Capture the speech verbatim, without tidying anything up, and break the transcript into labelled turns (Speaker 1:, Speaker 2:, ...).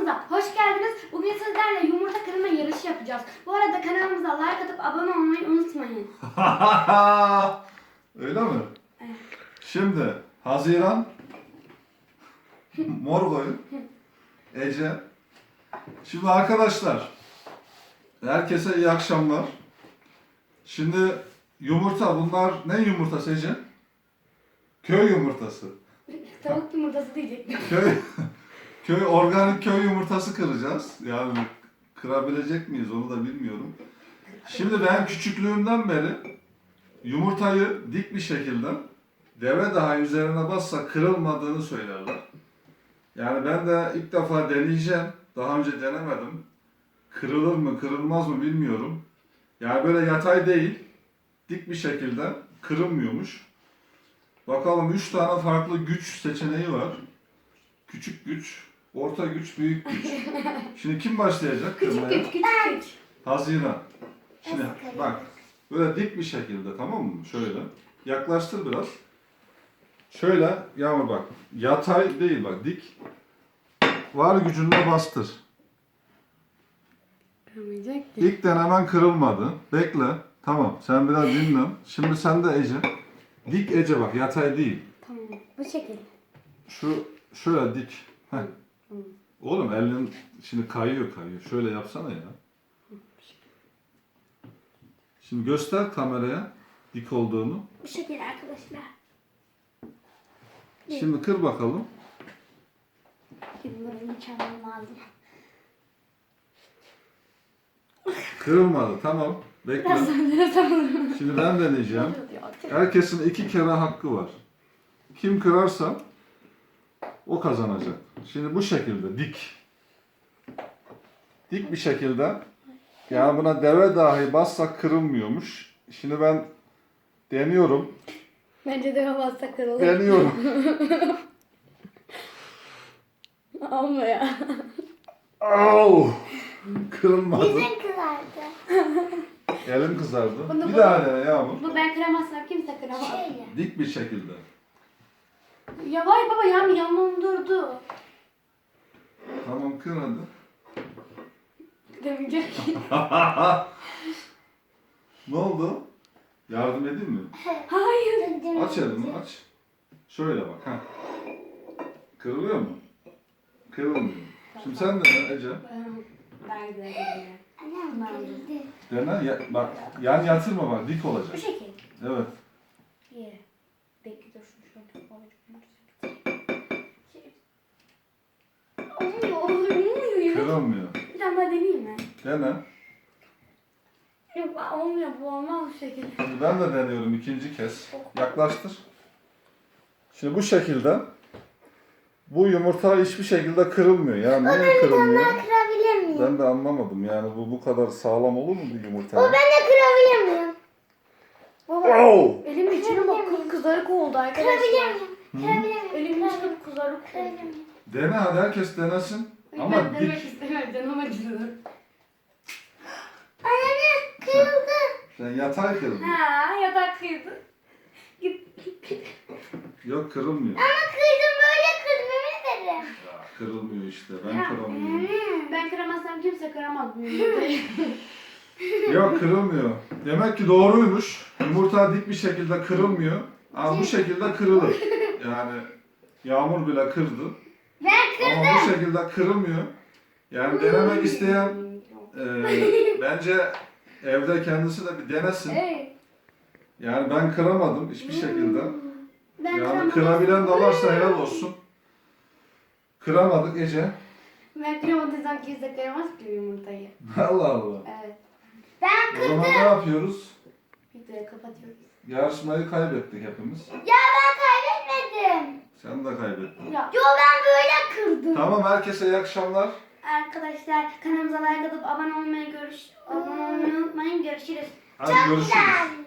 Speaker 1: kanalımıza hoş geldiniz. Bugün sizlerle yumurta kırma yarışı yapacağız. Bu arada kanalımıza like atıp abone olmayı unutmayın.
Speaker 2: Öyle mi?
Speaker 1: Evet.
Speaker 2: Şimdi Haziran, Mor koyun, Ece. Şimdi arkadaşlar, herkese iyi akşamlar. Şimdi yumurta, bunlar ne yumurtası Ece? Köy yumurtası.
Speaker 1: Tavuk yumurtası diyecektim.
Speaker 2: Köy, köy organik köy yumurtası kıracağız. Yani kırabilecek miyiz onu da bilmiyorum. Şimdi ben küçüklüğümden beri yumurtayı dik bir şekilde deve dahi üzerine bassa kırılmadığını söylerler. Yani ben de ilk defa deneyeceğim. Daha önce denemedim. Kırılır mı kırılmaz mı bilmiyorum. Yani böyle yatay değil, dik bir şekilde kırılmıyormuş. Bakalım üç tane farklı güç seçeneği var. Küçük güç, orta güç, büyük güç. Şimdi kim başlayacak
Speaker 1: Küçük
Speaker 2: kırmaya?
Speaker 1: küçük küçük küçük.
Speaker 2: Haziran. Şimdi bak, böyle dik bir şekilde, tamam mı? Şöyle. Yaklaştır biraz. Şöyle, Yağmur bak. Yatay değil bak, dik. Var gücünle bastır.
Speaker 1: Kırmayacak ki.
Speaker 2: İlk denemen kırılmadı. Bekle. Tamam, sen biraz dinlen. Şimdi sen de Ece. Dik Ece bak, yatay değil.
Speaker 1: Tamam. Bu şekilde.
Speaker 2: Şu, şöyle dik. Heh.
Speaker 1: Hı.
Speaker 2: Oğlum elin şimdi kayıyor kayıyor. Şöyle yapsana ya. Şimdi göster kameraya dik olduğunu.
Speaker 1: Bu şekilde arkadaşlar.
Speaker 2: Şimdi kır bakalım.
Speaker 1: Bunları çalmam lazım.
Speaker 2: Kırılmadı, tamam. Bekle.
Speaker 1: Biraz sonra sanırım.
Speaker 2: Şimdi ben deneyeceğim. Herkesin iki kere hakkı var. Kim kırarsa o kazanacak. Şimdi bu şekilde dik. Dik bir şekilde. Yani buna deve dahi bassak kırılmıyormuş. Şimdi ben deniyorum.
Speaker 1: Bence de bassak kırılır.
Speaker 2: Deniyorum.
Speaker 1: Ama ya.
Speaker 2: Au! Kırılmadı.
Speaker 3: Yüzün kızardı.
Speaker 2: Elim kızardı.
Speaker 1: Bunu
Speaker 2: Bir
Speaker 1: bu-
Speaker 2: daha dene Yağmur.
Speaker 1: Bu ben kıramazsam kimse kıramaz.
Speaker 3: Şöyle.
Speaker 2: Dik bir şekilde.
Speaker 1: Ya vay baba ya yanım durdu.
Speaker 2: Tamam kır hadi.
Speaker 1: Demeyecek ki.
Speaker 2: Ne oldu? Yardım edeyim mi?
Speaker 1: Hayır.
Speaker 2: Aç elini aç. Şöyle bak. Heh. Kırılıyor mu? Kırılmıyor. Şimdi sen dene Ece.
Speaker 1: Ben de.
Speaker 3: Annem kırıldı.
Speaker 2: Dene. Ya, bak yan yatırma bak. Dik
Speaker 1: Bu
Speaker 2: olacak.
Speaker 1: şekil.
Speaker 2: Evet.
Speaker 1: Ye. Bekle dur şunu şöyle Olmuyor, olmuyor, olmuyor.
Speaker 2: Kırılmıyor.
Speaker 1: Bir tane daha deneyeyim mi?
Speaker 2: Dene.
Speaker 1: Yok olmuyor, bu olmaz bu şekilde.
Speaker 2: Şimdi ben de deniyorum ikinci kez. Yaklaştır. Şimdi bu şekilde bu yumurta hiçbir şekilde kırılmıyor. Yani niye kırılmıyor?
Speaker 3: Ben kırabilir miyim?
Speaker 2: Ben de anlamadım. Yani bu bu kadar sağlam olur mu bir yumurta?
Speaker 3: O ben de kırabilir miyim?
Speaker 1: Baba,
Speaker 2: Oh!
Speaker 1: elimin içine bak kızarık oldu
Speaker 3: Kırabilir
Speaker 1: arkadaşlar.
Speaker 3: miyim? Kırabilir miyim?
Speaker 1: Elimin içine kızarık oldu.
Speaker 3: Kırabilir miyim?
Speaker 2: Dene hadi herkes denesin. Ama
Speaker 1: Ben demek
Speaker 2: dik.
Speaker 1: istemem, canım acıdı.
Speaker 3: Anne kırıldı.
Speaker 2: Sen yatay kırdın.
Speaker 1: Ha, yatak kıydı. Git.
Speaker 2: Yok kırılmıyor.
Speaker 3: Ama kırdım böyle kırdım emin ederim.
Speaker 2: Ya, kırılmıyor işte. Ben kıramıyorum.
Speaker 1: Ben kıramazsam kimse kıramaz bu yumurtayı.
Speaker 2: Yok kırılmıyor. Demek ki doğruymuş. Yumurta dik bir şekilde kırılmıyor. Ama bu şekilde kırılır. Yani Yağmur bile kırdı.
Speaker 3: Ben kırdım.
Speaker 2: Ama bu şekilde kırılmıyor. Yani denemek isteyen e, bence evde kendisi de bir denesin.
Speaker 1: Evet.
Speaker 2: Yani ben kıramadım hiçbir şekilde.
Speaker 1: Ben
Speaker 2: Yani
Speaker 1: kıramam.
Speaker 2: kırabilen de varsa helal olsun. Kıramadık Ece.
Speaker 1: Ben kıramadıysam kimse kıramaz ki yumurtayı.
Speaker 2: Allah Allah.
Speaker 1: Evet.
Speaker 3: Ben
Speaker 2: O zaman ne yapıyoruz?
Speaker 1: Videoyu kapatıyoruz.
Speaker 2: Yarışmayı kaybettik hepimiz.
Speaker 3: Ya ben kaybetmedim.
Speaker 2: Sen de kaybettin.
Speaker 1: Ya
Speaker 3: Yo ben böyle kırdım.
Speaker 2: Tamam herkese iyi akşamlar.
Speaker 1: arkadaşlar kanalımıza like atıp abone olmayı görüş abone olmayı unutmayın. Görüşürüz.
Speaker 2: Hadi
Speaker 3: Çok
Speaker 2: görüşürüz.
Speaker 3: güzel.